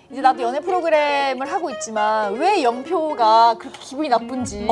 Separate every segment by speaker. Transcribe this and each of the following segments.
Speaker 1: 이제 나도 연애 프로그램을 하고 있지만 왜 영표가 그렇게 기분이 나쁜지.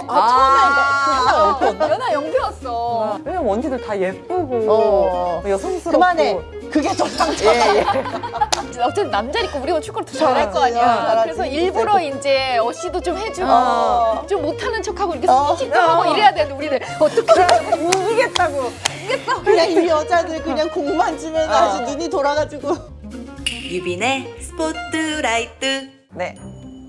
Speaker 2: 처음에 이거
Speaker 1: 연하 영표였어.
Speaker 3: 왜냐면 언니들 다 예쁘고 여성스럽고.
Speaker 2: 그만해. 그게 더 상처다.
Speaker 1: 이제 어쨌든 남자니까 우리가 축구를 더 잘할 거 아니야.
Speaker 2: 잘하지.
Speaker 1: 그래서 일부러 이제 어시도 좀 해주고 좀 못하는 척하고 이렇게
Speaker 2: 어.
Speaker 1: 스킨십도 하고 이래야 되는데 우리들 어떻게
Speaker 3: 이기겠다고.
Speaker 2: 그냥 이 여자들 그냥 공만 주면 아주 눈이 돌아가지고.
Speaker 4: 유빈의 스포트라이트.
Speaker 3: 네.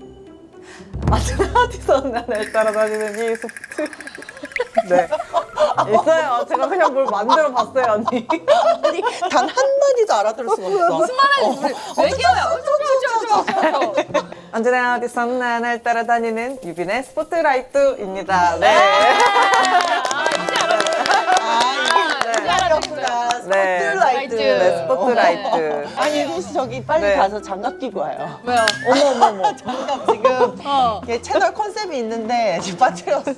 Speaker 3: 마지막에서 날 따라다니는 이 소프트. 네. 있어요. 제가 그냥 뭘 만들어 봤어요, 언니.
Speaker 2: 아니 단 한마디도 알아들을 수가 없어.
Speaker 1: 무슨 말하는지 우리 외계어야.
Speaker 3: 언제나 어디서 날 따라다니는 유빈의 스포트라이트입니다. 네.
Speaker 1: 이제 알았구나.
Speaker 3: 네.
Speaker 2: 스포트라이트.
Speaker 3: 네, 스포트라이트.
Speaker 2: 아니 혹시 저기 빨리
Speaker 3: 네.
Speaker 2: 가서 장갑 끼고 와요.
Speaker 1: 왜요?
Speaker 2: 어머머머. 장갑 지금
Speaker 1: 어.
Speaker 2: 얘 채널 컨셉이 있는데 지금 빠뜨렸어.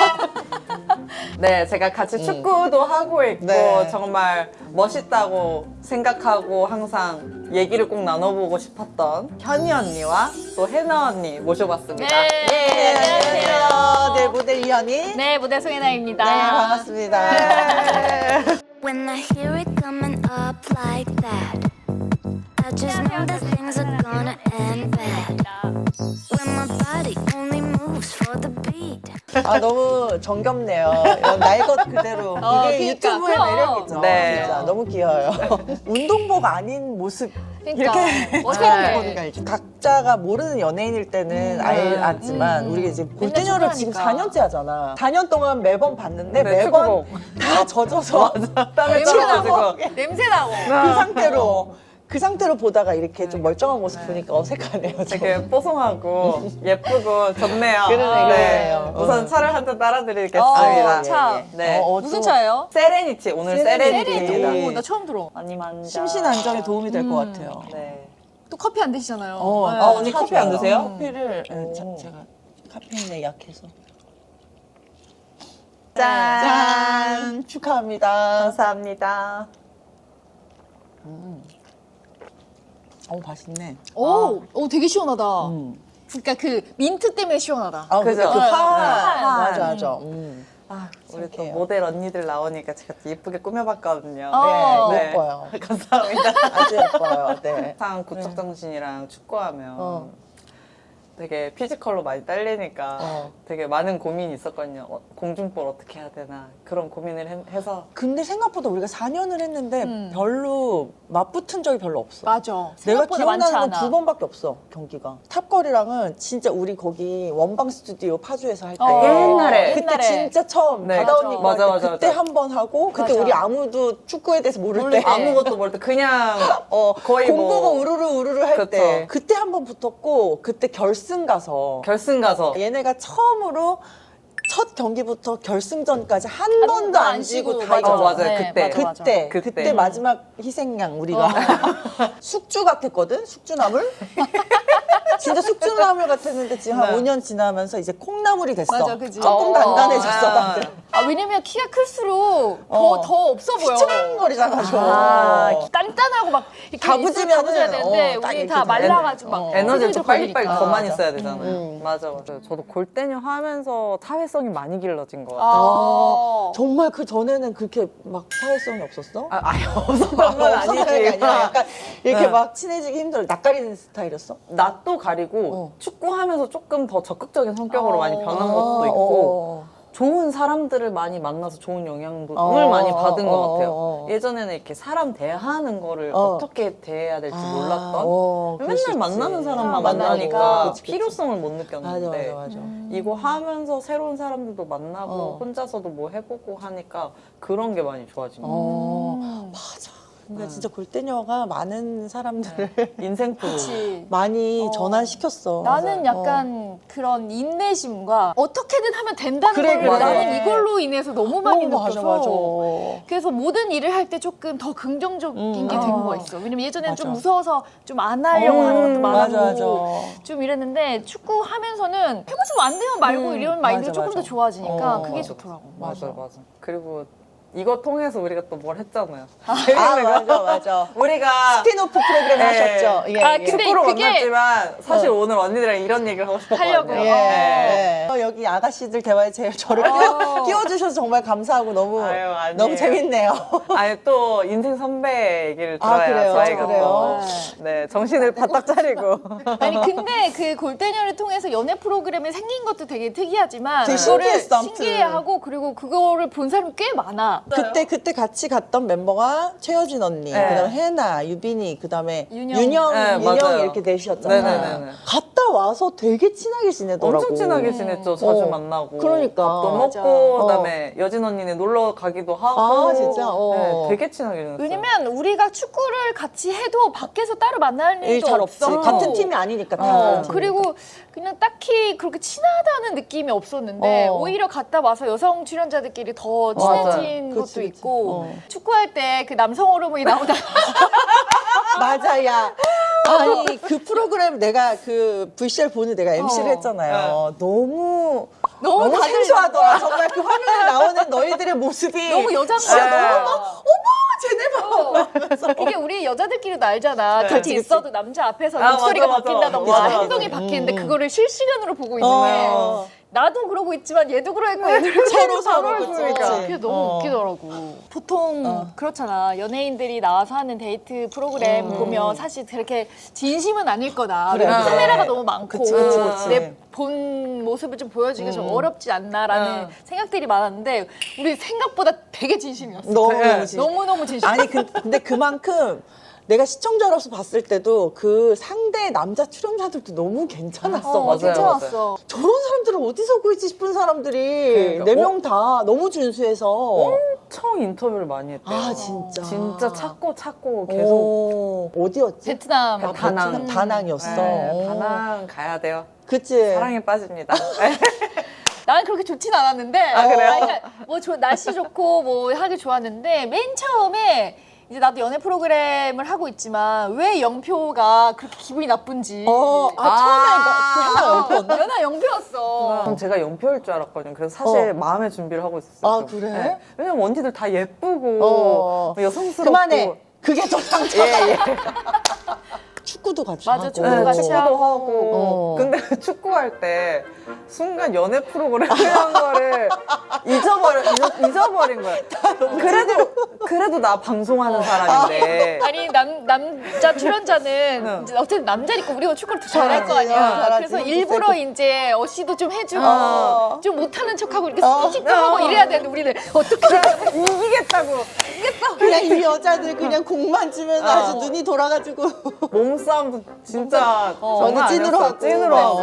Speaker 3: 네, 제가 같이 축구도 하고 있고
Speaker 2: 네.
Speaker 3: 정말 멋있다고 생각하고 항상 얘기를 꼭 나눠보고 싶었던 현희 언니와 또 해나 언니 모셔봤습니다.
Speaker 1: 네.
Speaker 2: 안녕하세요. 네, 모델 이현이.
Speaker 1: 네, 무대 송혜나입니다.
Speaker 2: 네, 반갑습니다.
Speaker 5: When I hear it coming up like that, I just know that things are gonna end bad. When my body only moves for the beat.
Speaker 2: 아, 너무 정겹네요. 이런 날 것 그대로. 이게
Speaker 1: 그러니까,
Speaker 2: 유튜브의
Speaker 1: 그럼.
Speaker 2: 매력이죠.
Speaker 3: 네.
Speaker 2: 진짜 너무 귀여워요. 운동복 아닌 모습.
Speaker 1: 그러니까
Speaker 2: 어떻게
Speaker 1: 네.
Speaker 2: 보는 게 알지? 각자가 모르는 연예인일 때는 알지만 우리가 이제 골대녀를 지금
Speaker 1: 축구하니까.
Speaker 2: 4년째 하잖아. 4년 동안 매번 봤는데
Speaker 3: 네,
Speaker 2: 매번 다 젖어서
Speaker 3: 땀을
Speaker 1: 냄새
Speaker 3: 떨어가지고.
Speaker 1: 나고 냄새 나고.
Speaker 2: 그 상태로 보다가 이렇게 좀 멀쩡한 모습 보니까 어색하네요.
Speaker 3: 되게 뽀송하고 예쁘고 좋네요.
Speaker 2: 그러네요.
Speaker 3: 우선 차를 한 잔 따라드리겠습니다.
Speaker 1: 어, 차.
Speaker 3: 네.
Speaker 1: 무슨 차예요?
Speaker 3: 세레니티, 오늘 세레니티입니다.
Speaker 2: 세레니티.
Speaker 1: 오, 나 처음 들어.
Speaker 3: 많이 만져.
Speaker 2: 심신 안정에 도움이 될 것 같아요.
Speaker 3: 네.
Speaker 1: 또 커피 안 드시잖아요. 네.
Speaker 3: 아, 언니 커피 안 드세요?
Speaker 2: 커피를
Speaker 3: 오.
Speaker 2: 제가 카페인에 약해서.
Speaker 3: 짠.
Speaker 2: 축하합니다.
Speaker 3: 감사합니다.
Speaker 2: 맛있네.
Speaker 1: 오, 되게 시원하다.
Speaker 2: 음.
Speaker 1: 그러니까 그 민트 때문에 시원하다.
Speaker 3: 그죠?
Speaker 2: 그
Speaker 1: 네.
Speaker 2: 맞아, 맞아.
Speaker 3: 아, 우리 또
Speaker 2: 착해요.
Speaker 3: 모델 언니들 나오니까 제가 또 예쁘게 꾸며봤거든요.
Speaker 2: 네, 예뻐요.
Speaker 3: 감사합니다.
Speaker 2: 아주 예뻐요. 네.
Speaker 3: 항상 구척 정신이랑 축구하면
Speaker 2: 어.
Speaker 3: 되게 피지컬로 많이 딸리니까 되게 많은 고민이 있었거든요. 공중볼 어떻게 해야 되나 그런 고민을 해서
Speaker 2: 근데 생각보다 우리가 4년을 했는데 별로 맞붙은 적이 별로 없어.
Speaker 1: 맞아.
Speaker 2: 내가
Speaker 1: 생각보다 많지
Speaker 2: 기억나는 건
Speaker 1: 않아.
Speaker 2: 2번밖에 없어, 경기가. 탑걸이랑은 진짜 우리 거기 원방 스튜디오 파주에서 할 때.
Speaker 3: 옛날에.
Speaker 2: 그때 진짜 처음
Speaker 3: 네.
Speaker 2: 바다 언니
Speaker 3: 맞아,
Speaker 2: 할 때
Speaker 3: 맞아,
Speaker 2: 그때
Speaker 3: 맞아.
Speaker 2: 한 번 하고 그때
Speaker 1: 맞아.
Speaker 2: 우리 아무도 축구에 대해서 모를 때
Speaker 3: 아무것도 모를 때 그냥 거의
Speaker 2: 공보고
Speaker 3: 뭐
Speaker 2: 우르르 할
Speaker 3: 그쵸.
Speaker 2: 때 그때 한 번 붙었고 그때 결승 가서
Speaker 3: 결승 가서
Speaker 2: 얘네가 처음으로 첫 경기부터 결승전까지 한 번도 안 지고 다
Speaker 1: 맞아.
Speaker 2: 이겼어.
Speaker 3: 맞아요.
Speaker 1: 네,
Speaker 3: 그때.
Speaker 1: 맞아, 맞아.
Speaker 2: 그때
Speaker 3: 그때.
Speaker 2: 마지막 희생양 우리가 숙주 같았거든. 숙주나물. 진짜 숙주나물 같았는데 지금 한
Speaker 3: 네.
Speaker 2: 5년 지나면서 이제 콩나물이 됐어.
Speaker 1: 맞아, 그지?
Speaker 2: 조금 단단해졌어.
Speaker 3: 아.
Speaker 2: 다들.
Speaker 1: 왜냐면 키가 클수록 더 없어 보여.
Speaker 2: 휘청거리잖아. 좀.
Speaker 1: 단단하고 막 이렇게
Speaker 2: 다부지면은,
Speaker 1: 다부져야 되는데
Speaker 2: 딱
Speaker 1: 우리
Speaker 2: 이렇게
Speaker 1: 다
Speaker 2: 돼.
Speaker 1: 말라가지고 막
Speaker 3: 에너지를 좀
Speaker 1: 후들후들
Speaker 3: 빨리빨리
Speaker 1: 걸리니까.
Speaker 3: 더많이
Speaker 2: 맞아.
Speaker 3: 써야 되잖아요. 맞아, 맞아. 저도 골대녀 하면서 사회성이 많이 길러진 것 같아요.
Speaker 2: 정말 그 전에는 그렇게 막 사회성이 없었어?
Speaker 3: 아예 없었던 건
Speaker 2: 없었던 게
Speaker 3: 아니지.
Speaker 2: 아니라 약간 이렇게
Speaker 3: 네.
Speaker 2: 막 친해지기 힘들어. 낯가리는 스타일이었어?
Speaker 3: 낯도 가리고 축구하면서 조금 더 적극적인 성격으로 많이 변한 것도 있고 좋은 사람들을 많이 만나서 좋은 영향을 많이 받은 것 같아요. 예전에는 이렇게 사람 대하는 거를 어떻게 대해야 될지 몰랐던
Speaker 2: 그럴 수
Speaker 3: 맨날
Speaker 2: 있지.
Speaker 3: 만나는 사람만
Speaker 1: 만나니까.
Speaker 3: 만나니까
Speaker 2: 그치, 그치.
Speaker 3: 필요성을 못 느꼈는데
Speaker 2: 맞아.
Speaker 3: 이거 하면서 새로운 사람들도 만나고 혼자서도 뭐 해보고 하니까 그런 게 많이 좋아진 것 같아요.
Speaker 2: 맞아. 그러니까 진짜 골대녀가 많은 사람들을
Speaker 3: 인생 프로.
Speaker 1: 그치.
Speaker 2: 많이 전환시켰어.
Speaker 1: 나는 약간 그런 인내심과 어떻게든 하면 된다는
Speaker 2: 그래,
Speaker 1: 걸
Speaker 2: 그래.
Speaker 1: 나는 이걸로 인해서 너무 많이
Speaker 2: 맞아,
Speaker 1: 느껴서
Speaker 2: 맞아.
Speaker 1: 그래서 모든 일을 할 때 조금 더 긍정적인 게 된 거가 있어. 왜냐면 예전에는 좀
Speaker 2: 맞아.
Speaker 1: 무서워서 좀 안 하려고 하는 것도 많았고
Speaker 2: 맞아.
Speaker 1: 좀 이랬는데 축구 하면서는 해보지 안 되면 말고 이런 마인드가
Speaker 2: 맞아,
Speaker 1: 조금
Speaker 2: 맞아.
Speaker 1: 더 좋아지니까 그게
Speaker 2: 맞아.
Speaker 1: 좋더라고.
Speaker 3: 맞아. 그리고 이거 통해서 우리가 또 뭘 했잖아요.
Speaker 2: 아, 맞아.
Speaker 3: 우리가
Speaker 2: 스피노프 프로그램
Speaker 3: 네.
Speaker 2: 하셨죠? 예,
Speaker 1: 아,
Speaker 2: 예.
Speaker 1: 근데
Speaker 3: 축구로
Speaker 1: 그게-
Speaker 3: 만났지만 사실 오늘 언니들이랑 이런 얘기를 하고 싶었거든요.
Speaker 1: 하려고요.
Speaker 2: 예.
Speaker 3: 네.
Speaker 2: 여기 아가씨들 대화에 저를 끼워주셔서 정말 감사하고 너무
Speaker 3: 아유, 아니에요.
Speaker 2: 너무 재밌네요.
Speaker 3: 아니 또 인생 선배 얘기를
Speaker 2: 아,
Speaker 3: 들어야
Speaker 2: 그래요?
Speaker 3: 저희가
Speaker 2: 그래요?
Speaker 3: 또 네, 정신을 바짝 차리고
Speaker 1: 아니 근데 그 골대녀를 통해서 연애 프로그램이 생긴 것도 되게 특이하지만
Speaker 2: 되게
Speaker 1: 그거를
Speaker 2: 신기했어, 아무튼.
Speaker 1: 신기해하고 그리고 그거를 본 사람이 꽤 많아.
Speaker 2: 그때 같이 갔던 멤버가 최여진 언니,
Speaker 3: 네.
Speaker 2: 그다음에 혜나, 유빈이, 그다음에
Speaker 1: 윤영.
Speaker 2: 윤영
Speaker 3: 네, 맞아요.
Speaker 2: 이렇게 넷이었잖아요.
Speaker 3: 네네네네.
Speaker 2: 갔다 와서 되게 친하게 지내더라고.
Speaker 3: 엄청 친하게 지냈죠. 자주
Speaker 2: 어.
Speaker 3: 만나고
Speaker 2: 그러니까.
Speaker 3: 밥도
Speaker 1: 맞아.
Speaker 3: 먹고 그다음에 여진 언니네 놀러 가기도 하고
Speaker 2: 아, 진짜? 어.
Speaker 3: 네, 되게 친하게 지냈어요.
Speaker 1: 왜냐면 우리가 축구를 같이 해도 밖에서 따로 만날
Speaker 2: 일
Speaker 1: 일도
Speaker 2: 잘 없지.
Speaker 1: 없어.
Speaker 2: 같은 팀이 아니니까. 다 다른 팀이니까.
Speaker 1: 그리고 그냥 딱히 그렇게 친하다는 느낌이 없었는데 오히려 갔다 와서 여성 출연자들끼리 더 친해진
Speaker 2: 맞아.
Speaker 1: 것도
Speaker 2: 그치, 그치.
Speaker 1: 있고 축구할 때 그 남성 호르몬이 나오다
Speaker 2: 맞아, 야. 아니, 그 프로그램 내가 그 VCR 보는 내가 MC를 했잖아요. 너무
Speaker 1: 다들-
Speaker 2: 생소하더라. 정말 그 화면에 나오는 너희들의 모습이
Speaker 1: 너무 여잔
Speaker 2: 진짜
Speaker 1: 거야.
Speaker 2: 너무 쟤네 봐.
Speaker 1: 이게 우리 여자들끼리도 알잖아. 같이
Speaker 2: 그치, 그치.
Speaker 1: 있어도 남자 앞에서
Speaker 3: 아,
Speaker 1: 목소리가
Speaker 3: 맞아, 맞아.
Speaker 1: 바뀐다던가
Speaker 3: 맞아, 맞아.
Speaker 1: 행동이 바뀌는데 그거를 실시간으로 보고 있는데
Speaker 2: 어.
Speaker 1: 나도 그러고 있지만 얘도 그러고 얘도 그러고
Speaker 2: 서로
Speaker 1: 서로
Speaker 2: 그치,
Speaker 1: 그러니까
Speaker 2: 그치.
Speaker 1: 그게 너무
Speaker 2: 어.
Speaker 1: 웃기더라고. 보통 그렇잖아. 연예인들이 나와서 하는 데이트 프로그램 보면 사실 그렇게 진심은 아닐 거다.
Speaker 2: 그래.
Speaker 1: 왜냐면 카메라가 너무 많고
Speaker 2: 그치, 그치.
Speaker 1: 내 본 모습을 좀 보여주기 좀 어렵지 않나라는 생각들이 많았는데 우리 생각보다 되게 진심이었어.
Speaker 2: 너무
Speaker 1: 너무너무 진심.
Speaker 2: 아니 근데 그만큼 내가 시청자로서 봤을 때도 그 상대 남자 출연자들도 너무 괜찮았어.
Speaker 3: 맞아요,
Speaker 1: 괜찮았어.
Speaker 2: 저런 사람들은 어디서 구했지 싶은 사람들이
Speaker 3: 그러니까.
Speaker 2: 네 명 다 너무 준수해서
Speaker 3: 엄청 인터뷰를 많이 했대요.
Speaker 2: 아, 진짜.
Speaker 3: 진짜 찾고 계속
Speaker 2: 어디였지?
Speaker 1: 베트남.
Speaker 2: 아,
Speaker 3: 다낭.
Speaker 2: 베트남, 다낭이었어.
Speaker 3: 네, 다낭 가야 돼요.
Speaker 2: 그치.
Speaker 3: 사랑에 빠집니다.
Speaker 1: 나는 그렇게 좋진 않았는데.
Speaker 3: 그래요?
Speaker 1: 그러니까 뭐 날씨 좋고 뭐 하기 좋았는데 맨 처음에 이제 나도 연애 프로그램을 하고 있지만 왜 영표가 그렇게 기분이 나쁜지.
Speaker 2: 처음에 그 영표였나?
Speaker 1: 연하 영표였어.
Speaker 3: 전 제가 연표일 줄 알았거든요. 그래서 사실 마음의 준비를 하고 있었어요.
Speaker 2: 아,
Speaker 3: 좀.
Speaker 2: 그래?
Speaker 3: 왜냐면 언니들 다 예쁘고 여성스럽고.
Speaker 2: 그만해. 그게 더 상처다.
Speaker 3: 예.
Speaker 2: 축구도 같이
Speaker 1: 맞아,
Speaker 2: 하고.
Speaker 1: 축구도 같이
Speaker 3: 축구도
Speaker 1: 하고.
Speaker 3: 하고. 근데 축구할 때 순간 연애 프로그램 하는 거를 잊어버린 거야. 그래도 나 방송하는 사람인데.
Speaker 1: 아니 남자 출연자는 이제 어쨌든 남자니까 우리가 축구를 더 잘할 거 아니야.
Speaker 2: 잘하지.
Speaker 1: 그래서
Speaker 2: 힘도
Speaker 1: 일부러
Speaker 2: 세고.
Speaker 1: 이제 어시도 좀 해주고 좀 못하는 척하고 이렇게
Speaker 2: 어.
Speaker 1: 스킨십도 하고 이래야 되는데 우리는 어떻게
Speaker 3: 이기겠다고.
Speaker 2: 그냥 이 여자들 그냥 공만 주면 아주 눈이 돌아가지고
Speaker 3: 몸싸움도 진짜
Speaker 2: 어느
Speaker 3: 장난
Speaker 2: 찐으로
Speaker 3: 아니었어요.
Speaker 2: 하고.
Speaker 3: 찐으로 하고.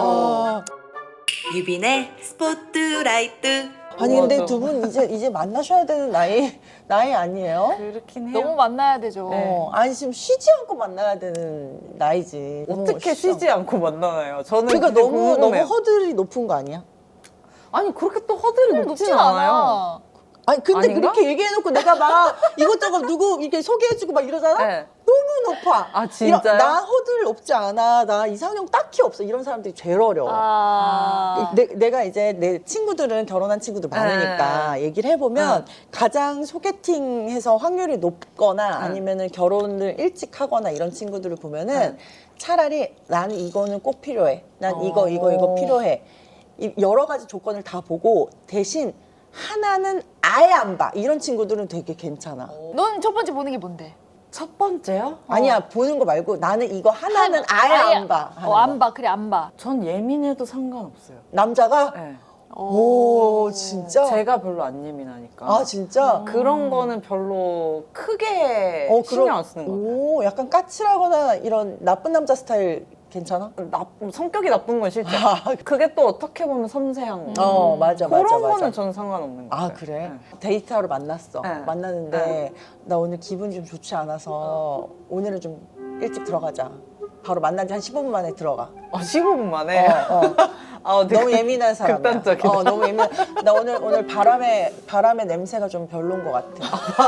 Speaker 4: 유빈의 스포트라이트.
Speaker 2: 아니 근데
Speaker 3: 맞아.
Speaker 2: 두 분 이제 만나셔야 되는 나이 아니에요?
Speaker 3: 그렇긴 해요.
Speaker 1: 너무 만나야 되죠.
Speaker 2: 아니 지금 쉬지 않고 만나야 되는 나이지.
Speaker 3: 어떻게
Speaker 2: 너무
Speaker 3: 쉬지 않고 만나나요? 저는
Speaker 2: 그러니까
Speaker 3: 그게
Speaker 2: 너무
Speaker 3: 궁금해요.
Speaker 2: 허들이 높은 거 아니야?
Speaker 3: 아니 그렇게 또 허들이 높진
Speaker 1: 높진
Speaker 3: 않아요.
Speaker 1: 않아.
Speaker 2: 아니 근데
Speaker 3: 아닌가?
Speaker 2: 그렇게 얘기해놓고 내가 막 이것저것 누구 이렇게 소개해주고 막 이러잖아?
Speaker 3: 네.
Speaker 2: 너무 높아.
Speaker 3: 아, 진짜요?
Speaker 2: 나 허들 높지 않아. 나 이상형 딱히 없어. 이런 사람들이 제일 어려워. 내가 이제 내 친구들은 결혼한 친구들 많으니까 얘기를 해보면 가장 소개팅해서 확률이 높거나 아니면은 결혼을 일찍 하거나 이런 친구들을 보면은 차라리 나는 이거는 꼭 필요해. 난 이거 필요해. 여러 가지 조건을 다 보고 대신 하나는 아예 안 봐. 이런 친구들은 되게 괜찮아.
Speaker 1: 넌 첫 번째 보는 게 뭔데?
Speaker 3: 첫 번째요?
Speaker 2: 아니야 보는 거 말고 나는 이거 하나는 아예 안 봐. 하는 거.
Speaker 1: 안 봐. 그래 안 봐.
Speaker 3: 전 예민해도 상관없어요.
Speaker 2: 남자가?
Speaker 3: 네.
Speaker 2: 오 진짜?
Speaker 3: 제가 별로 안 예민하니까.
Speaker 2: 아 진짜?
Speaker 3: 그런 거는 별로 크게
Speaker 2: 어,
Speaker 3: 신경 안 쓰는 것 같아요.
Speaker 2: 오 약간 까칠하거나 이런 나쁜 남자 스타일 괜찮아?
Speaker 3: 성격이 나쁜 건 싫죠. 그게 또 어떻게 보면 섬세한 거.
Speaker 2: 맞아
Speaker 3: 그런
Speaker 2: 맞아
Speaker 3: 거는
Speaker 2: 맞아.
Speaker 3: 전 상관없는 것
Speaker 2: 아
Speaker 3: 같아요.
Speaker 2: 그래?
Speaker 3: 네.
Speaker 2: 데이트하러 만났어.
Speaker 3: 네.
Speaker 2: 만났는데 나 오늘 기분이 좀 좋지 않아서 오늘은 좀 일찍 들어가자. 바로 만난 지 한 15분 만에 들어가.
Speaker 3: 15분 만에. 아, 되게
Speaker 2: 너무 예민한 사람이야.
Speaker 3: 극단적이다.
Speaker 2: 너무 예민. 나 오늘 바람의 냄새가 좀 별론 것 같아.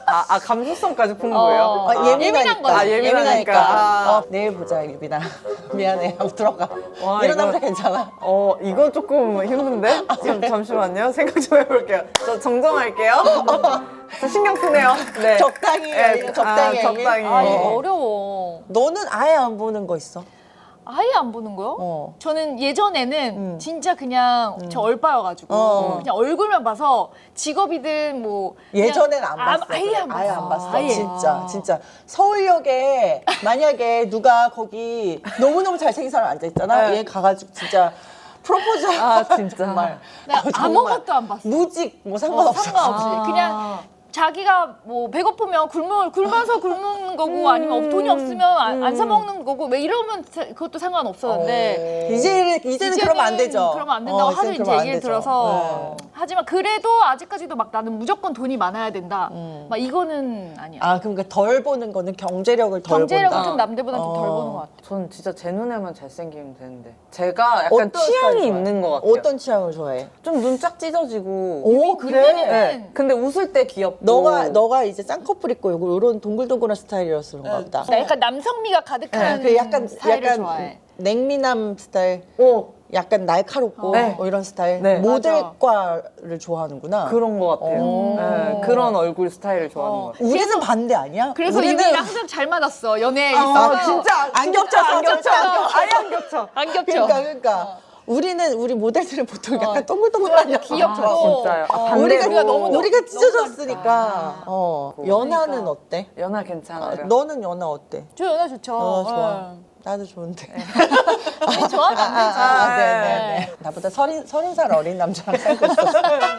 Speaker 3: 감수성까지 풍부해요?
Speaker 1: 예민한 거지.
Speaker 3: 아, 예민하니까. 아.
Speaker 2: 내일 보자, 유빈아. 미안해. 하고 들어가.
Speaker 3: 와,
Speaker 2: 이런
Speaker 3: 이거-
Speaker 2: 남자 괜찮아.
Speaker 3: 이거 조금 힘든데? 잠시만요. 생각 좀 해볼게요. 저 정정할게요. 저 신경 쓰네요. 네.
Speaker 2: 적당히,
Speaker 3: 네,
Speaker 2: 적당히.
Speaker 3: 적당히.
Speaker 1: 아, 이거 어려워.
Speaker 2: 너는 아예 안 보는 거 있어?
Speaker 1: 아예 안 보는 거요? 저는 예전에는 진짜 그냥 저 얼빠여가지고 그냥 얼굴만 봐서 직업이든 뭐 그냥
Speaker 2: 예전엔 안 봤어.
Speaker 1: 아예 안 봤어.
Speaker 2: 아예 안 봤어.
Speaker 1: 아예.
Speaker 2: 진짜. 서울역에 만약에 누가 거기 너무너무 잘생긴 사람 앉아있잖아.
Speaker 3: 네.
Speaker 2: 얘 가가지고 진짜 프로포즈.
Speaker 3: 진짜.
Speaker 2: 정말.
Speaker 1: 내가
Speaker 2: 정말.
Speaker 1: 아무것도 안 봤어.
Speaker 2: 무직, 뭐 상관없어.
Speaker 1: 상관없이 그냥 자기가 뭐 배고프면 굶어서 굶는 거고 아니면 돈이 없으면 안 사 먹는 거고 왜 이러면 그것도 상관없었는데
Speaker 2: 이제는 그러면 안 되죠.
Speaker 1: 그러면 안 된다고 하도
Speaker 2: 이제는
Speaker 1: 이제
Speaker 2: 그러면 안
Speaker 1: 얘기를
Speaker 2: 되죠.
Speaker 1: 들어서
Speaker 2: 네.
Speaker 1: 하지만 그래도 아직까지도 막 나는 무조건 돈이 많아야 된다. 막 이거는 아니야.
Speaker 2: 아, 그러니까 덜 보는 거는 경제력을 덜
Speaker 1: 경제력은
Speaker 2: 본다.
Speaker 1: 좀 남들보다 좀 덜 보는 것 같아.
Speaker 3: 전 진짜 제 눈에만 잘생기면 되는데. 제가 약간 취향이 있는 것 같아요.
Speaker 2: 어떤 취향을 좋아해?
Speaker 3: 좀 눈 쫙 찢어지고.
Speaker 2: 오, 그래?
Speaker 3: 네. 근데 웃을 때 귀엽고.
Speaker 2: 너가 이제 쌍꺼풀 있고 요런 동글동글한 스타일이어서 그런가 보다.
Speaker 1: 나 약간 남성미가 가득한
Speaker 2: 그 약간
Speaker 1: 스타일을 좋아해.
Speaker 2: 냉미남 스타일. 약간 날카롭고
Speaker 3: 네.
Speaker 2: 뭐 이런 스타일.
Speaker 3: 네.
Speaker 2: 모델과를 좋아하는구나.
Speaker 3: 그런 것 같아요. 네, 그런 얼굴 스타일을 좋아하는 것 같아요.
Speaker 2: 우리는 반대 아니야?
Speaker 1: 그래서
Speaker 2: 우리는
Speaker 1: 유빈이랑 항상 잘 맞았어. 연애에 있어서.
Speaker 3: 진짜
Speaker 2: 안 겹쳐,
Speaker 3: 안 겹쳐. 아예 안 겹쳐.
Speaker 1: 안 겹쳐.
Speaker 2: 그러니까. 우리 모델들은 보통 약간 동글동글한
Speaker 1: 귀엽고.
Speaker 3: 진짜요.
Speaker 2: 우리가
Speaker 1: 너무
Speaker 2: 우리가 찢어졌으니까. 연하는 어때?
Speaker 3: 연하 괜찮아요.
Speaker 2: 너는 연하 어때?
Speaker 1: 저 연애 좋죠.
Speaker 2: 좋아.
Speaker 1: 네.
Speaker 2: 나도 좋은데.
Speaker 1: 우리 좋아하면 안 되죠.
Speaker 2: 네네네. 나보다 30살 어린 남자랑 살고 있었어.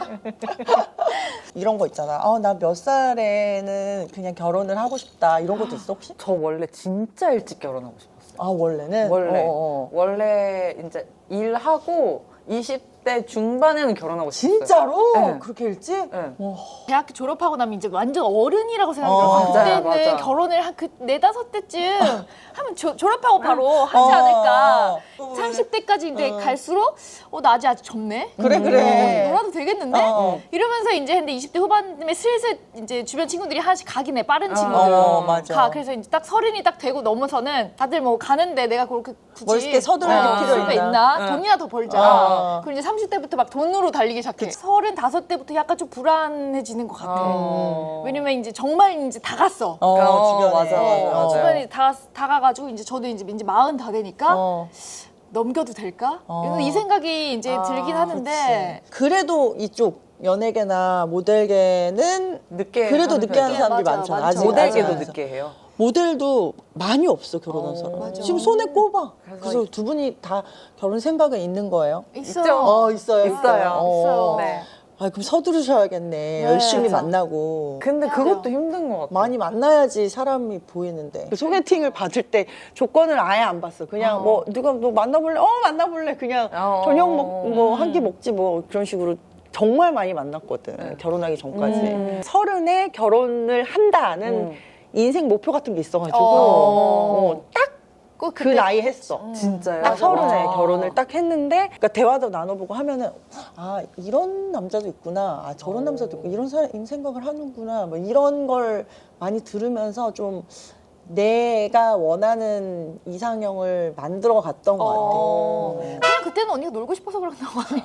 Speaker 2: 이런 거 있잖아. 나 몇 살에는 그냥 결혼을 하고 싶다. 이런 것도 있어, 혹시?
Speaker 3: 저 원래 진짜 일찍 결혼하고 싶었어요.
Speaker 2: 원래는?
Speaker 3: 원래 이제 일하고 20대 중반에는 결혼하고 싶었어요.
Speaker 2: 진짜로?
Speaker 3: 네.
Speaker 2: 그렇게 일찍?
Speaker 3: 네.
Speaker 1: 대학교 졸업하고 나면 이제 완전 어른이라고 생각해요.
Speaker 3: 맞아요,
Speaker 1: 그때는
Speaker 3: 맞아.
Speaker 1: 결혼을 한 그 4-5때쯤 하면 졸업하고 바로 하지 않을까. 30대까지 이제 갈수록 나 아직 젊네.
Speaker 2: 그래.
Speaker 1: 놀아도 되겠는데? 이러면서 이제 했는데 20대 후반쯤에 슬슬 이제 주변 친구들이 하나씩 가긴 해. 빠른 친구들.
Speaker 2: 맞아.
Speaker 1: 가. 그래서 이제 딱 30이 딱 되고 넘어서는 다들 뭐 가는데 내가 그렇게 굳이
Speaker 2: 멋있게 서두를
Speaker 1: 필요가
Speaker 2: 필요
Speaker 1: 있나? 돈이나 더 벌자. 그리고 이제 30대부터 막 돈으로 달리기 시작해. 35대부터 약간 좀 불안해지는 것 같아. 왜냐면 이제 정말 이제 다 갔어.
Speaker 2: 주변에.
Speaker 3: 맞아.
Speaker 1: 주변에 다 가가지고 이제 저도 이제 40 다 되니까 넘겨도 될까? 이 생각이 이제 들긴 하는데
Speaker 2: 그래도 이쪽 연예계나 모델계는
Speaker 3: 늦게
Speaker 2: 그래도
Speaker 3: 하는
Speaker 2: 늦게 하는
Speaker 3: 편이죠.
Speaker 2: 사람들이
Speaker 1: 맞아,
Speaker 2: 많죠.
Speaker 1: 많죠.
Speaker 2: 아직
Speaker 3: 모델계도
Speaker 2: 아직.
Speaker 3: 늦게 해요.
Speaker 2: 모델도 많이 없어, 결혼한 사람. 지금 손에 꼽아. 그래서 두 분이 다 결혼 생각은 있는 거예요?
Speaker 1: 있어.
Speaker 2: 있어요.
Speaker 1: 있어요.
Speaker 3: 네.
Speaker 2: 그럼 서두르셔야겠네. 열심히 만나고.
Speaker 3: 근데 그것도 힘든 것 같아요.
Speaker 2: 많이 만나야지 사람이 보이는데. 그 소개팅을 받을 때 조건을 아예 안 봤어. 그냥 뭐 누가 너 만나볼래? 만나볼래. 그냥 저녁 한 끼 먹지 뭐 그런 식으로. 정말 많이 만났거든. 결혼하기 전까지. 30에 결혼을 한다는 인생 목표 같은 게 있어가지고 딱 그 나이 했어.
Speaker 3: 진짜요?
Speaker 2: 딱 30에 결혼을 딱 했는데 그러니까 대화도 나눠보고 하면은 이런 남자도 있구나. 저런 남자도 있고 이런 생각을 하는구나. 뭐 이런 걸 많이 들으면서 좀 내가 원하는 이상형을 만들어 갔던 것 같아.
Speaker 1: 그냥 그때는 언니가 놀고 싶어서 그런 거 아니야?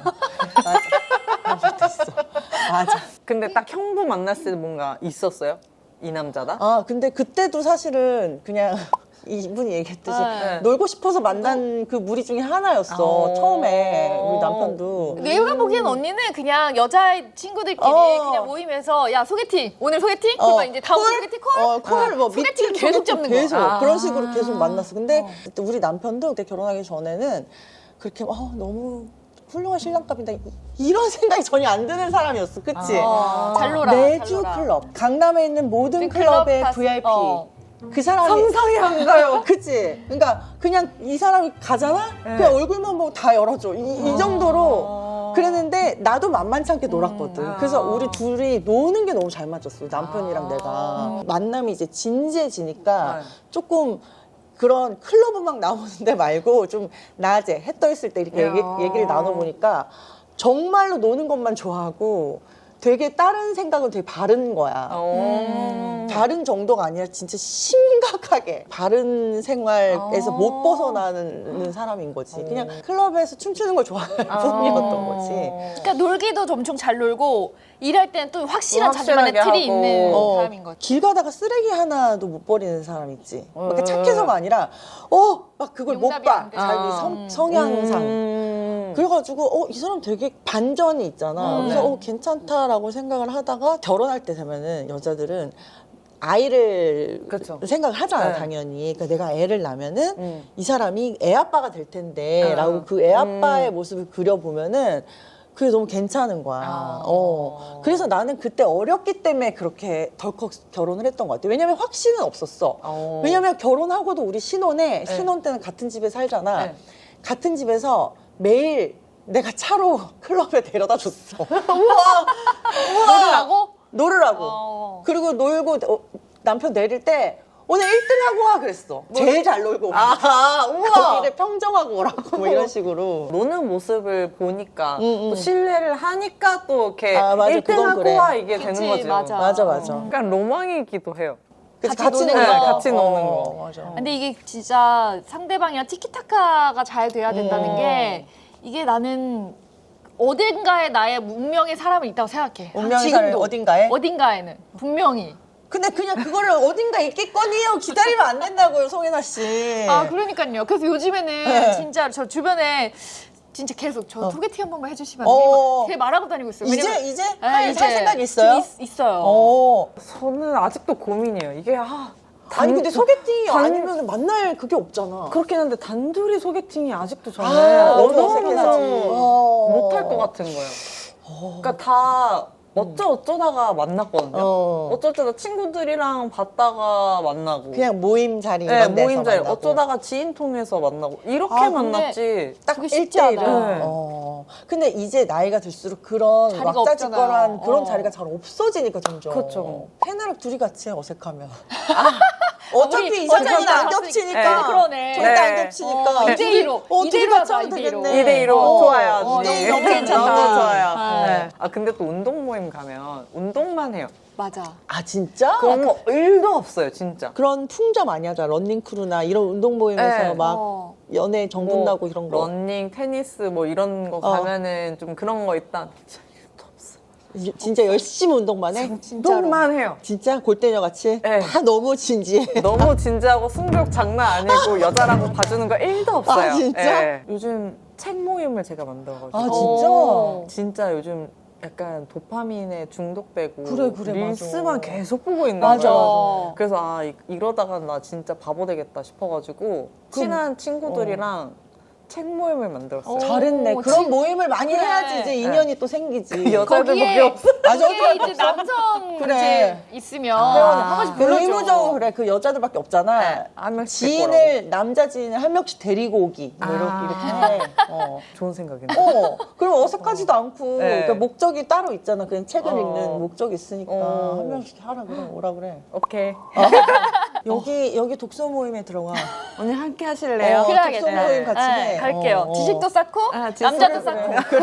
Speaker 2: 맞아.
Speaker 3: 근데 딱 형부 만났을 때 뭔가 있었어요? 이 남자다?
Speaker 2: 근데 그때도 사실은 그냥 이분이 얘기했듯이 놀고 싶어서 만난 그 무리 중에 하나였어. 처음에 우리 남편도.
Speaker 1: 내가 보기엔 언니는 그냥 여자 친구들끼리 그냥 모임에서 야 소개팅 오늘 소개팅? 그러면 이제 다음 소개팅 콜?
Speaker 2: 콜을 뭐
Speaker 1: 소개팅
Speaker 2: 미팅
Speaker 1: 계속 잡는 거.
Speaker 2: 계속 그런 식으로 계속 만났어. 근데 그때 우리 남편도 그때 결혼하기 전에는 그렇게 너무 훌륭한 신랑감이다 이런 생각이 전혀 안 드는 사람이었어. 그치?
Speaker 1: 잘 놀아.
Speaker 2: 매주
Speaker 1: 잘 놀아.
Speaker 2: 클럽 강남에 있는 모든
Speaker 1: 클럽
Speaker 2: 클럽의
Speaker 1: 다-
Speaker 2: VIP 그 사람이
Speaker 3: 상상이 안 가요.
Speaker 2: 그치? 그러니까 그냥 이 사람이 가잖아? 그냥 얼굴만 보고 다 열어줘. 이 정도로 그랬는데 나도 만만치 않게 놀았거든. 그래서 우리 둘이 노는 게 너무 잘 맞았어. 남편이랑 내가. 만남이 이제 진지해지니까 조금 그런 클럽 음악 나오는 데 말고 좀 낮에 해 떠 있을 때 이렇게 얘기를 나눠보니까 정말로 노는 것만 좋아하고 되게 다른 생각은 되게 바른 거야. 바른 정도가 아니라 진짜 심각하게 바른 생활에서 못 벗어나는 사람인 거지. 그냥 클럽에서 춤추는 걸 좋아할 뿐이었던 거지.
Speaker 1: 그러니까 놀기도 엄청 잘 놀고 일할 때는 또 확실한
Speaker 3: 확실하게
Speaker 1: 자기만의 틀이
Speaker 3: 하고.
Speaker 1: 있는 사람인 거지.
Speaker 2: 길 가다가 쓰레기 하나도 못 버리는 사람 있지. 그러니까 착해서가 아니라 막 그걸 못
Speaker 1: 용납이
Speaker 2: 봐.
Speaker 1: 안 돼.
Speaker 2: 자기 성향상. 그래가지고 이 사람 되게 반전이 있잖아. 그래서 괜찮다라고 생각을 하다가 결혼할 때 되면은 여자들은 아이를
Speaker 3: 그쵸.
Speaker 2: 생각을 하잖아,
Speaker 3: 네.
Speaker 2: 당연히. 그러니까 내가 애를 낳으면은 이 사람이 애 아빠가 될 텐데 라고 그 애 아빠의 모습을 그려보면은 그게 너무 괜찮은 거야. 그래서 나는 그때 어렸기 때문에 그렇게 덜컥 결혼을 했던 것 같아. 왜냐면 확신은 없었어. 왜냐면 결혼하고도 우리 신혼 때는 같은 집에 살잖아.
Speaker 3: 네.
Speaker 2: 같은 집에서 매일 내가 차로 클럽에 데려다 줬어. 놀으라고. 그리고 놀고 남편 내릴 때 오늘 1등 하고 와 그랬어. 제일 잘 놀고.
Speaker 3: 우와.
Speaker 2: 거기를 평정하고 오라고 뭐 이런 식으로.
Speaker 3: 노는 모습을 보니까 또 신뢰를 하니까 또 이렇게
Speaker 2: 맞아.
Speaker 3: 1등
Speaker 2: 그건
Speaker 3: 하고
Speaker 2: 그래.
Speaker 3: 와 이게
Speaker 1: 그치,
Speaker 3: 되는 거죠.
Speaker 1: 맞아.
Speaker 2: 맞아.
Speaker 3: 약간 로망이기도 해요.
Speaker 2: 그치,
Speaker 1: 같이 노는
Speaker 2: 노는
Speaker 1: 거.
Speaker 3: 같이 노는 거.
Speaker 2: 맞아.
Speaker 1: 근데 이게 진짜 상대방이랑 티키타카가 잘 돼야 된다는 게 이게 나는 어딘가에 나의 운명의 사람이 있다고 생각해.
Speaker 2: 운명의
Speaker 1: 지금도.
Speaker 2: 사람이 어딘가에?
Speaker 1: 어딘가에는 분명히.
Speaker 2: 근데 그냥 그거를 어딘가 있겠거니요. 기다리면 안 된다고요, 송혜나 씨.
Speaker 1: 아 그러니까요. 그래서 요즘에는
Speaker 2: 네.
Speaker 1: 진짜 저 주변에 진짜 계속 저 소개팅 한 번만 해주시면
Speaker 2: 어.
Speaker 1: 안 돼요? 되게 말하고 다니고 있어요.
Speaker 2: 이제
Speaker 1: 네,
Speaker 2: 할
Speaker 1: 이제
Speaker 2: 생각이 있어요?
Speaker 1: 좀 있어요.
Speaker 3: 저는 아직도 고민이에요. 이게
Speaker 2: 아니 근데 소개팅이
Speaker 3: 단-
Speaker 2: 아니면 만날 그게 없잖아.
Speaker 3: 그렇긴 한데 단둘이 소개팅이 아직도 저는
Speaker 2: 너무
Speaker 3: 어색해서
Speaker 2: 어색하지.
Speaker 3: 못할 것 같은 거예요. 그러니까 다 어쩌다가 만났거든요. 어쩔 때도 친구들이랑 봤다가 만나고.
Speaker 2: 그냥 모임 자리
Speaker 3: 네,
Speaker 2: 이런 데서
Speaker 3: 모임 자리.
Speaker 2: 만나고.
Speaker 3: 어쩌다가 지인 통해서 만나고. 이렇게
Speaker 2: 아, 근데
Speaker 3: 만났지.
Speaker 2: 딱
Speaker 1: 그게 쉽지 않아.
Speaker 2: 1대1은.
Speaker 3: 네.
Speaker 2: 근데 이제 나이가 들수록 그런
Speaker 1: 자리가
Speaker 2: 왁자지껄한
Speaker 1: 없잖아요.
Speaker 2: 그런 자리가 잘 없어지니까 점점.
Speaker 3: 그쵸.
Speaker 2: 팬이랑 둘이 같이 해, 어색하면. 어차피
Speaker 1: 우리
Speaker 2: 이 사장이 안
Speaker 1: 어차피
Speaker 2: 겹치니까.
Speaker 3: 네.
Speaker 1: 그러네.
Speaker 2: 절대 안
Speaker 3: 네.
Speaker 2: 겹치니까.
Speaker 1: 2대1로.
Speaker 2: 둘이 같이 하면 되겠네.
Speaker 3: 2대2로 좋아요. 언니.
Speaker 2: 네, 너무 괜찮다.
Speaker 3: 너무 좋아요.
Speaker 1: 네.
Speaker 3: 아, 근데 또 운동 모임 가면 운동만 해요.
Speaker 1: 맞아.
Speaker 2: 아 진짜?
Speaker 3: 그런 거 1도 없어요, 진짜.
Speaker 2: 그런 풍자 많이 하잖아. 런닝크루나 이런 운동 모임에서
Speaker 3: 네.
Speaker 2: 막 연애 정분
Speaker 3: 뭐
Speaker 2: 나고 이런 거.
Speaker 3: 러닝, 테니스 뭐 이런 거 가면은 좀 그런 거 일단
Speaker 2: 진짜 열심히 운동만 해?
Speaker 3: 운동만 해요.
Speaker 2: 진짜 골대녀 같이?
Speaker 3: 네.
Speaker 2: 다 너무 진지해.
Speaker 3: 너무 진지하고 승벽 장난 아니고 여자라고 봐주는 거 1도 없어요.
Speaker 2: 아, 진짜?
Speaker 3: 예. 요즘 책 모임을 제가 만들어가지고
Speaker 2: 아 진짜?
Speaker 3: 진짜 요즘 약간 도파민에 중독되고
Speaker 2: 그래,
Speaker 3: 릴스만
Speaker 2: 맞아.
Speaker 3: 계속 보고 있는
Speaker 2: 맞아,
Speaker 3: 거예요.
Speaker 1: 맞아.
Speaker 3: 그래서 이러다가 나 진짜 바보 되겠다 싶어가지고 친한 친구들이랑 책 모임을 만들었어요.
Speaker 2: 잘했네. 그런
Speaker 1: 진-
Speaker 2: 모임을 많이
Speaker 1: 그래.
Speaker 2: 해야지 이제 인연이 또 생기지.
Speaker 3: 여자들밖에 없어.
Speaker 2: 맞아.
Speaker 1: 거기에 이제 남성
Speaker 2: 그래.
Speaker 1: 이제 있으면 한 번씩 불러줘.
Speaker 2: 의무적으로 그래. 그 여자들밖에 없잖아.
Speaker 3: 네, 한 명씩 데리고 오라고.
Speaker 2: 지인을 남자 지인을 한 명씩 데리고 오기. 뭐 이렇게 해.
Speaker 3: 좋은 생각이네.
Speaker 2: 그럼 어색하지도 않고.
Speaker 3: 네.
Speaker 2: 그러니까 목적이 따로 있잖아. 그냥 책을 읽는 목적이 있으니까
Speaker 3: 어.
Speaker 2: 한 명씩 하라 그래. 오라 그래.
Speaker 3: 오케이.
Speaker 2: 여기 독서 모임에 들어가.
Speaker 3: 언니 함께 하실래요?
Speaker 1: 그래야겠다.
Speaker 2: 독서 모임 같이 해.
Speaker 1: 갈게요. 지식도 쌓고
Speaker 3: 지식도
Speaker 1: 남자도
Speaker 3: 그래.
Speaker 1: 쌓고.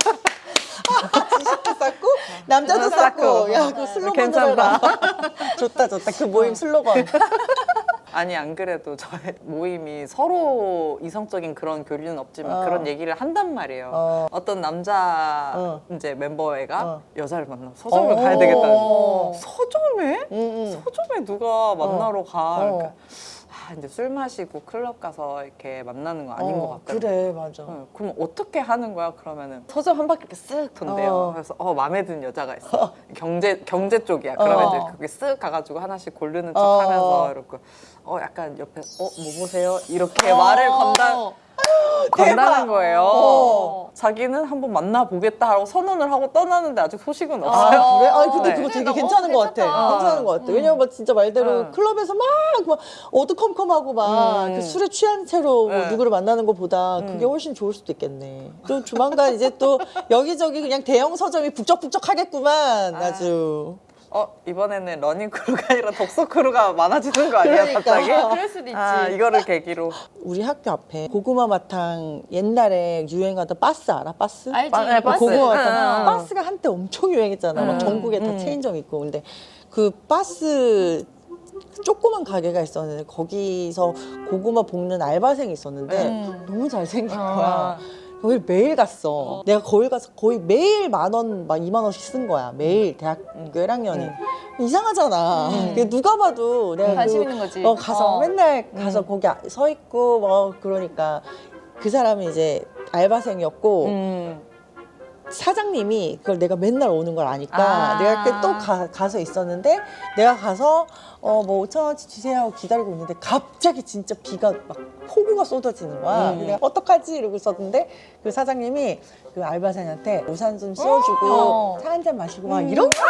Speaker 2: 지식도 쌓고 남자도 쌓고. 야, 그 슬로건으로
Speaker 3: 괜찮다.
Speaker 2: 해라. 좋다. 그 모임 슬로건.
Speaker 3: 아니 안 그래도 저희 모임이 서로 이성적인 그런 교류는 없지만 그런 얘기를 한단 말이에요. 어떤 남자 이제 멤버애가 여자를 만나서 서점을 가야 되겠다는 거예요. 서점에? 서점에 누가 만나러 가? 그러니까 이제 술 마시고 클럽 가서 이렇게 만나는 거 아닌 것 같다.
Speaker 2: 그래, 맞아.
Speaker 3: 그럼 어떻게 하는 거야? 그러면은 서점 한 바퀴 이렇게 쓱 돈대요. 그래서 마음에 드는 여자가 있어. 경제 쪽이야. 그러면 이제 그게 쓱 가가지고 하나씩 고르는 척하면서 이렇게 약간 옆에 뭐 보세요? 이렇게 말을 건다는 거예요. 자기는 한번 만나보겠다 하고 선언을 하고 떠나는데 아직 소식은 없어요.
Speaker 2: 아, 그래? 아니, 근데
Speaker 3: 네.
Speaker 2: 그거 되게
Speaker 1: 너무
Speaker 2: 괜찮은 것 같아.
Speaker 1: 괜찮다.
Speaker 2: 괜찮은 것 같아. 왜냐면 진짜 말대로 클럽에서 막 어두컴컴하고 막 그 술에 취한 채로 뭐 누구를 만나는 것보다 그게 훨씬 좋을 수도 있겠네. 또 조만간 이제 또 여기저기 그냥 대형 서점이 북적북적 하겠구만. 아주.
Speaker 3: 이번에는 러닝 크루가 아니라 독서 크루가 많아지는 거 아니야,
Speaker 2: 그러니까.
Speaker 3: 갑자기?
Speaker 1: 그럴 수도 있지.
Speaker 3: 이거를 계기로.
Speaker 2: 우리 학교 앞에 고구마 마탕 옛날에 유행하던 바스 알아? 바스?
Speaker 1: 알지.
Speaker 3: 네, 바스.
Speaker 2: 고구마 마탕.
Speaker 3: 응.
Speaker 2: 바스가 한때 엄청 유행했잖아. 막 전국에 다 체인점 있고. 근데 그 바스 조그만 가게가 있었는데 거기서 고구마 볶는 알바생이 있었는데 너무 잘생긴 거야. 거길 매일 갔어. 내가 거기 가서 거의 매일 10,000원, 막 20,000원씩 쓴 거야. 매일 대학교 1학년이. 이상하잖아. 그게 누가 봐도 내가
Speaker 1: 관심 있는 거지.
Speaker 2: 가서 맨날 가서 거기 서 있고 뭐 그러니까 그 사람이 이제 알바생이었고 사장님이 그걸 내가 맨날 오는 걸 아니까 내가 그때 또 가서 있었는데 내가 가서 뭐 5,000원치 주세요 하고 기다리고 있는데 갑자기 진짜 비가 막 폭우가 쏟아지는 거야. 내가 어떡하지 이러고 있었는데 그 사장님이 그 알바생한테 우산 좀 씌워주고 차 한 잔 마시고 막 이런 거야.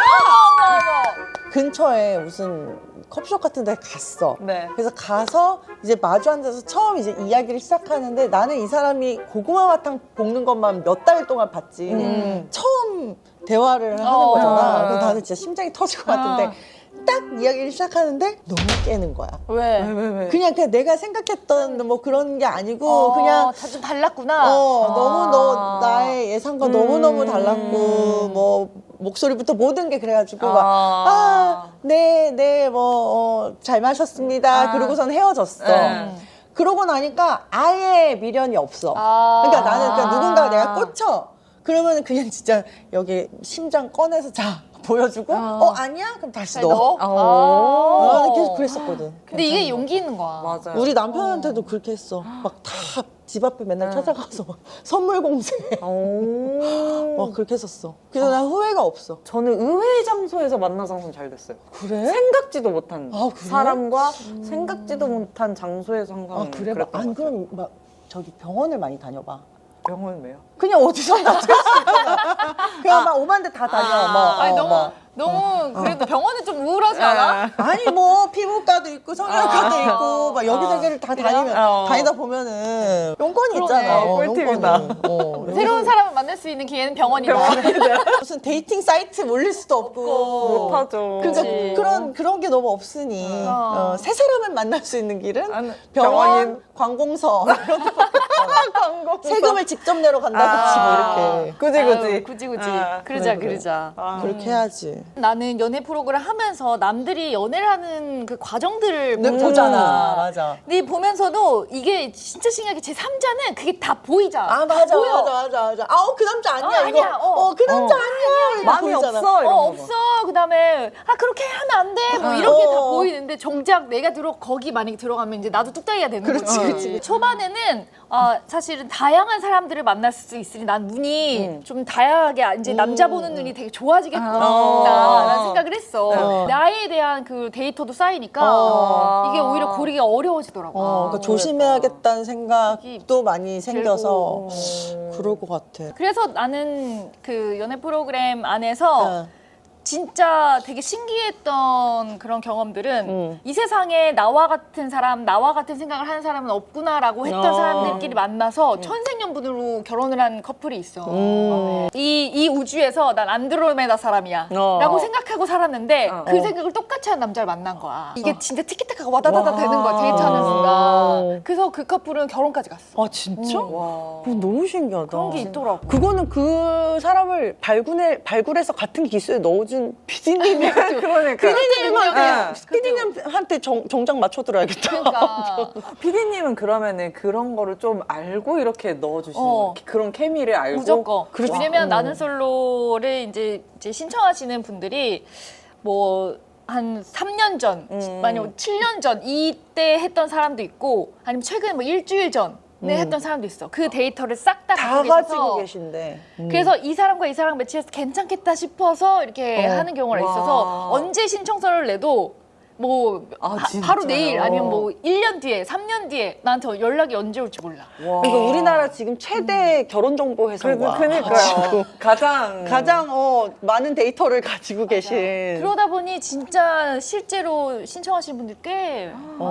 Speaker 2: 근처에 무슨 커피숍 같은 데 갔어.
Speaker 3: 네.
Speaker 2: 그래서 가서 이제 마주 앉아서 처음 이제 이야기를 시작하는데 나는 이 사람이 고구마 마탕 볶는 것만 몇 달 동안 봤지. 처음 대화를 하는 거잖아. 그래서 나는 진짜 심장이 터질 것 같은데 딱 이야기를 시작하는데 너무 깨는 거야.
Speaker 1: 왜?
Speaker 2: 그냥 내가 생각했던 뭐 그런 게 아니고 그냥
Speaker 1: 좀 달랐구나.
Speaker 2: 너무 나의 예상과 너무너무 달랐고 뭐 목소리부터 모든 게 그래가지고 네, 뭐 잘 마셨습니다. 그러고선 헤어졌어. 그러고 나니까 아예 미련이 없어. 그러니까 나는 누군가가 내가 꽂혀. 그러면 그냥 진짜 여기 심장 꺼내서 자 보여주고 아니야? 그럼 다시 넣어. 나는 계속 그랬었거든.
Speaker 1: 근데 이게 용기 있는 거야.
Speaker 3: 맞아요.
Speaker 2: 우리 남편한테도 그렇게 했어. 막 다 집 앞에 맨날 찾아가서 막 선물 공세. 막 그렇게 했었어. 그래서 난 후회가 없어.
Speaker 3: 저는 의외의 장소에서 만나서 항상 잘 됐어요.
Speaker 2: 그래?
Speaker 3: 생각지도 못한
Speaker 2: 그래?
Speaker 3: 사람과 생각지도 못한 장소에서 항상
Speaker 2: 그래?
Speaker 3: 그랬던
Speaker 2: 안
Speaker 3: 것 같아요.
Speaker 2: 그럼 막 저기 병원을 많이 다녀봐.
Speaker 3: 병원 왜요?
Speaker 2: 그냥 어디서나 될 수 있잖아. 그냥 막 오만 데 다 다녀.
Speaker 1: 아니 너무 그래도 병원은 좀 우울하지 않아?
Speaker 2: 아니 뭐 피부과도 있고 성형외과도 있고 막 여기저기를 다 다니다 보면은 용건이 있잖아.
Speaker 3: 꿀팁이다.
Speaker 2: 용건이.
Speaker 1: 새로운 사람을 만날 수 있는 기회는 병원이다.
Speaker 2: 무슨 데이팅 사이트 몰릴 수도 없고
Speaker 3: 못하죠.
Speaker 2: 그러니까 그런 게 너무 없으니 새 사람을 만날 수 있는 길은 병원,
Speaker 3: 병원인.
Speaker 2: 관공서 이런 데밖에 없잖아. 세금을 직접 내러 간다든지 뭐 이렇게
Speaker 1: 굳이. 그러자.
Speaker 2: 그렇게 해야지.
Speaker 1: 나는 연애 프로그램 하면서 남들이 연애를 하는 그 과정들을
Speaker 2: 보잖아. 맞아.
Speaker 1: 근데 보면서도 이게 진짜 신기하게 제 3자는 그게 다 보이잖아.
Speaker 2: 맞아.
Speaker 1: 보여.
Speaker 2: 맞아. 그 남자 아니야 이거.
Speaker 1: 아니야.
Speaker 2: 그 남자 아니야. 이거
Speaker 3: 마음이
Speaker 2: 보이잖아.
Speaker 3: 없어 이런 거.
Speaker 1: 없어. 그다음에 그렇게 하면 안 돼. 뭐 이렇게 다 보이는데 정작 내가 거기 만약에 들어가면 이제 나도 뚝딱이가 되는 거지.
Speaker 2: 그렇지.
Speaker 1: 초반에는 사실은 다양한 사람들을 만날 수 있으니 난 눈이 좀 다양하게 이제 남자 보는 눈이 되게 좋아지겠구나라는 생각을 했어. 나에 대한 그 데이터도 쌓이니까 이게 오히려 고르기가 어려워지더라고.
Speaker 2: 그러니까 조심해야겠다는 생각도 많이 생겨서 그럴 것 같아.
Speaker 1: 그래서 나는 그 연애 프로그램 안에서 진짜 되게 신기했던 그런 경험들은 이 세상에 나와 같은 사람, 나와 같은 생각을 하는 사람은 없구나라고 했던 사람들끼리 만나서 천생연분으로 결혼을 한 커플이 있어. 이 우주에서 난 안드로메다 사람이야 라고 생각하고 살았는데 그 생각을 똑같이 한 남자를 만난 거야. 이게 진짜 티키타카가 와다다다 되는 거야, 데이트하는 순간. 그래서 그 커플은 결혼까지 갔어.
Speaker 2: 진짜? 너무 신기하다.
Speaker 1: 그런 게 있더라고.
Speaker 2: 그거는 그 사람을 발굴해서 같은 기수에 넣어준 PD님이
Speaker 3: 그러니까.
Speaker 2: PD님한테 정장 맞춰들어야겠다.
Speaker 1: 그러니까.
Speaker 3: 피디님은 그러면은 그런 거를 좀 알고 이렇게 넣어주시는 거예요? 그런 케미를 알고?
Speaker 1: 무조건. 왜냐면 나는 솔로를 이제 신청하시는 분들이 뭐 한 3년 전, 아니면 7년 전 이때 했던 사람도 있고 아니면 최근 뭐 일주일 전에 했던 사람도 있어. 그 데이터를 싹 다
Speaker 2: 다
Speaker 1: 갖고
Speaker 2: 가지고
Speaker 1: 계셔서
Speaker 2: 계신데.
Speaker 1: 그래서 이 사람과 이 사람 매치해서 괜찮겠다 싶어서 이렇게 하는 경우가 있어서 언제 신청서를 내도 뭐 바로 내일 아니면 뭐 1년 뒤에 3년 뒤에 나한테 연락이 언제 올지 몰라.
Speaker 2: 그러니까 우리나라 지금 최대 결혼 정보 회사가
Speaker 3: 그러니까요. 가장
Speaker 2: 많은 데이터를 가지고 계신.
Speaker 1: 그러다 보니 진짜 실제로 신청하시는 분들 꽤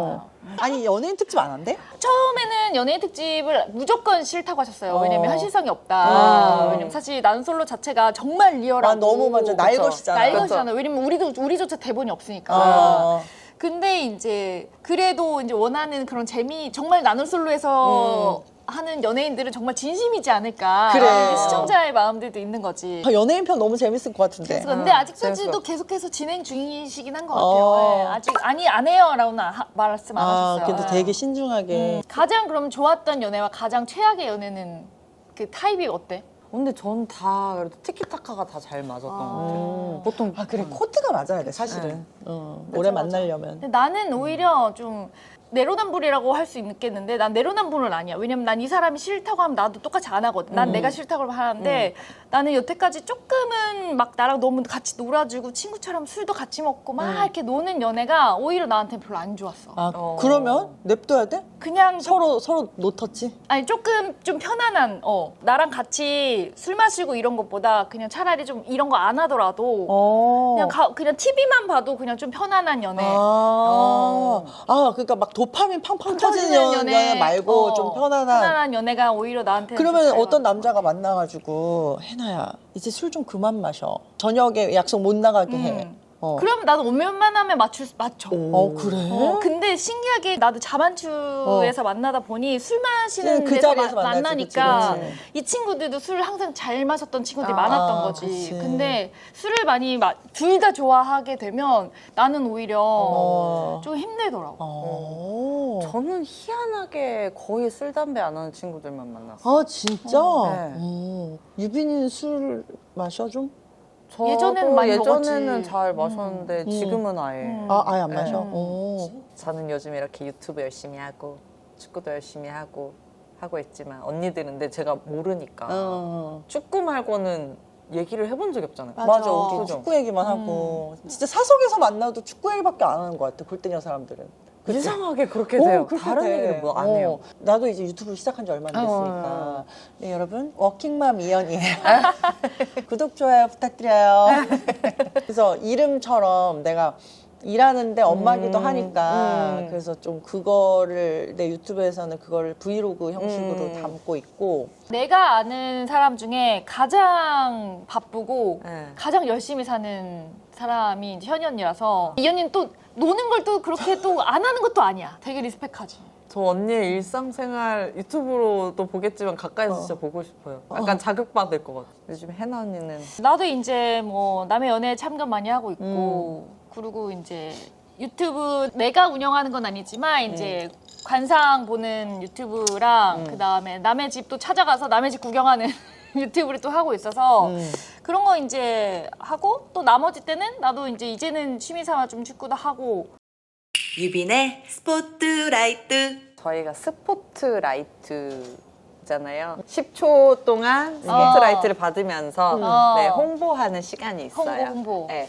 Speaker 2: 아니 연예인 특집 안 한대?
Speaker 1: 처음에는 연예인 특집을 무조건 싫다고 하셨어요. 왜냐면 현실성이 없다. 왜냐면 사실 나는 솔로 자체가 정말 리얼하고
Speaker 2: 아 너무 맞아 날것이잖아.
Speaker 1: 날것이잖아요. 왜냐면 우리조차 대본이 없으니까. 근데 이제 그래도 이제 원하는 그런 정말 나는 솔로에서 하는 연예인들은 정말 진심이지 않을까.
Speaker 2: 그래.
Speaker 1: 근데 시청자의 마음들도 있는 거지.
Speaker 2: 연예인 편 너무 재밌을 것 같은데.
Speaker 1: 근데 아직까지도
Speaker 3: 재밌어.
Speaker 1: 계속해서 진행 중이시긴 한 것 같아요. 네, 아직 아니 안 해요라고는 말씀 안 하셨어요.
Speaker 2: 근데
Speaker 1: 네.
Speaker 2: 되게 신중하게.
Speaker 1: 가장 그럼 좋았던 연애와 가장 최악의 연애는 그 타입이 어때?
Speaker 3: 근데 전 다 그래도 티키타카가 다 잘 맞았던 것 같아요. 보통
Speaker 2: 아 그래 코드가 맞아야 돼 사실은. 오래 만나려면.
Speaker 1: 근데 나는 오히려 좀 내로남불이라고 할 수 있겠는데 난 내로남불은 아니야. 왜냐면 난 이 사람이 싫다고 하면 나도 똑같이 안 하거든. 난 내가 싫다고 하는데 나는 여태까지 조금은 막 나랑 너무 같이 놀아주고 친구처럼 술도 같이 먹고 막 이렇게 노는 연애가 오히려 나한테 별로 안 좋았어.
Speaker 2: 아 그러면 냅둬야 돼?
Speaker 1: 그냥
Speaker 2: 서로 노터치.
Speaker 1: 아니 조금 좀 편안한 나랑 같이 술 마시고 이런 것보다 그냥 차라리 좀 이런 거 안 하더라도 그냥 TV만 봐도 그냥 좀 편안한 연애.
Speaker 2: 그러니까 막 도파민 팡팡 터지는 연애 말고 좀 편안한.
Speaker 1: 연애가 오히려 나한테
Speaker 2: 그러면 어떤 남자가 만나가지고 해나야 이제 술 좀 그만 마셔. 저녁에 약속 못 나가게 해.
Speaker 1: 그러면 나도 웬만하면 맞춰.
Speaker 2: 그래?
Speaker 1: 근데 신기하게 나도 자만추에서 만나다 보니 술 마시는
Speaker 2: 그
Speaker 1: 데서
Speaker 2: 자리에서 만나지,
Speaker 1: 만나니까
Speaker 2: 그치.
Speaker 1: 이 친구들도 술을 항상 잘 마셨던 친구들이 많았던 거지.
Speaker 2: 그치.
Speaker 1: 근데 술을 많이 둘 다 좋아하게 되면 나는 오히려 좀 힘들더라고.
Speaker 3: 저는 희한하게 거의 술, 담배 안 하는 친구들만 만났어요.
Speaker 2: 아 진짜?
Speaker 3: 네.
Speaker 2: 유빈이는 술 마셔 좀?
Speaker 1: 예전에는 많이
Speaker 3: 예전에는
Speaker 1: 먹었지.
Speaker 3: 잘 마셨는데 지금은 아예.
Speaker 2: 아예 안 마셔?
Speaker 3: 저는 요즘 이렇게 유튜브 열심히 하고 축구도 열심히 하고 있지만 언니들은 근데 제가 모르니까 축구 말고는 얘기를 해본 적이 없잖아요.
Speaker 2: 맞아. 우리
Speaker 3: 그죠?
Speaker 2: 축구 얘기만 하고 진짜 사석에서 만나도 축구 얘기밖에 안 하는 것 같아. 골대녀 사람들은. 그치?
Speaker 3: 이상하게 그렇게 돼요.
Speaker 2: 그렇게
Speaker 3: 다른
Speaker 2: 돼.
Speaker 3: 얘기를 뭐 안 해요.
Speaker 2: 나도 이제 유튜브 시작한 지 얼마 안 됐으니까. 네, 여러분, 워킹맘 이연이에요. 구독, 좋아요 부탁드려요. 그래서 이름처럼 내가 일하는데 엄마기도 하니까 그래서 좀 그거를 내 유튜브에서는 그걸 브이로그 형식으로 담고 있고.
Speaker 1: 내가 아는 사람 중에 가장 바쁘고
Speaker 3: 네.
Speaker 1: 가장 열심히 사는 사람이 이제 현이 언니라서 이 언니는 또 노는 걸 또 그렇게 또 안 하는 것도 아니야. 되게 리스펙하지.
Speaker 3: 저 언니의 일상생활 유튜브로도 보겠지만 가까이서 진짜 보고 싶어요. 약간 자극받을 것 같아요. 요즘 해나 언니는
Speaker 1: 나도 이제 뭐 남의 연애에 참견 많이 하고 있고 그리고 이제 유튜브 내가 운영하는 건 아니지만 이제 관상 보는 유튜브랑 그다음에 남의 집도 찾아가서 남의 집 구경하는 유튜브를 또 하고 있어서 그런 거 이제 하고 또 나머지 때는 나도 이제는 취미 삼아 좀 축구도 하고.
Speaker 4: 유빈의 스포트라이트.
Speaker 3: 저희가 스포트라이트잖아요. 10초 동안 스포트라이트를 받으면서 네, 홍보하는 시간이 있어요.
Speaker 1: 홍보.
Speaker 3: 네.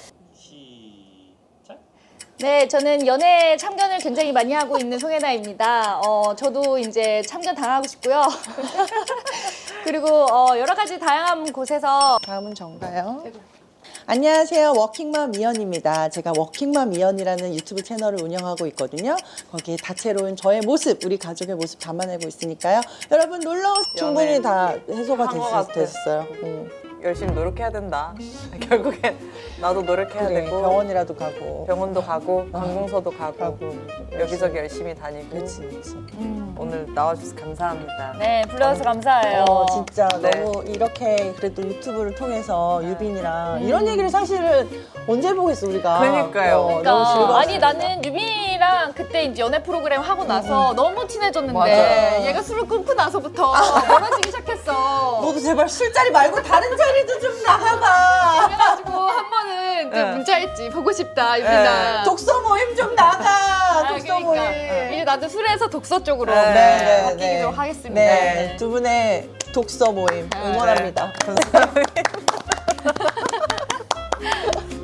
Speaker 1: 네, 저는 연애 참견을 굉장히 많이 하고 있는 송혜나입니다. 저도 이제 참견 당하고 싶고요. 그리고 여러 가지 다양한 곳에서
Speaker 2: 다음은 정가요. 안녕하세요. 워킹맘 이연입니다. 제가 워킹맘 이연이라는 유튜브 채널을 운영하고 있거든요. 거기에 다채로운 저의 모습, 우리 가족의 모습 담아내고 있으니까요. 여러분 놀러오세요. 충분히 다 해소가
Speaker 3: 한것 같아.
Speaker 2: 됐어요.
Speaker 3: 열심히 노력해야 된다. 결국엔 나도 노력해야
Speaker 2: 그래,
Speaker 3: 되고
Speaker 2: 병원이라도 가고.
Speaker 3: 병원도 가고 관공서도 가고 여기저기 열심히 다니고
Speaker 2: 그렇지.
Speaker 3: 오늘 나와주셔서 감사합니다.
Speaker 1: 네, 불러줘서 감사해요.
Speaker 2: 진짜
Speaker 3: 네.
Speaker 2: 너무 이렇게 그래도 유튜브를 통해서 유빈이랑 이런 얘기를 사실은 언제 해보겠어 우리가.
Speaker 3: 그러니까요.
Speaker 2: 너무 즐거웠어요.
Speaker 1: 아니 나는 유빈이랑 그때 이제 연애 프로그램 하고 나서 너무 친해졌는데
Speaker 3: 맞아.
Speaker 1: 얘가 술을 끊고 나서부터 멀어지기 시작했어.
Speaker 2: 너도 제발 술자리 말고 다른 자리도 좀 나가봐.
Speaker 1: 그래가지고 한 번은 그
Speaker 3: 네.
Speaker 1: 문자했지. 보고 싶다 유빈아.
Speaker 2: 독서 모임 좀 나가. 독서
Speaker 1: 그러니까.
Speaker 2: 모임.
Speaker 1: 이제 나도 술에서 독서 쪽으로
Speaker 2: 네,
Speaker 1: 바뀌도록 하겠습니다.
Speaker 2: 네, 두 분의 독서 모임 응원합니다.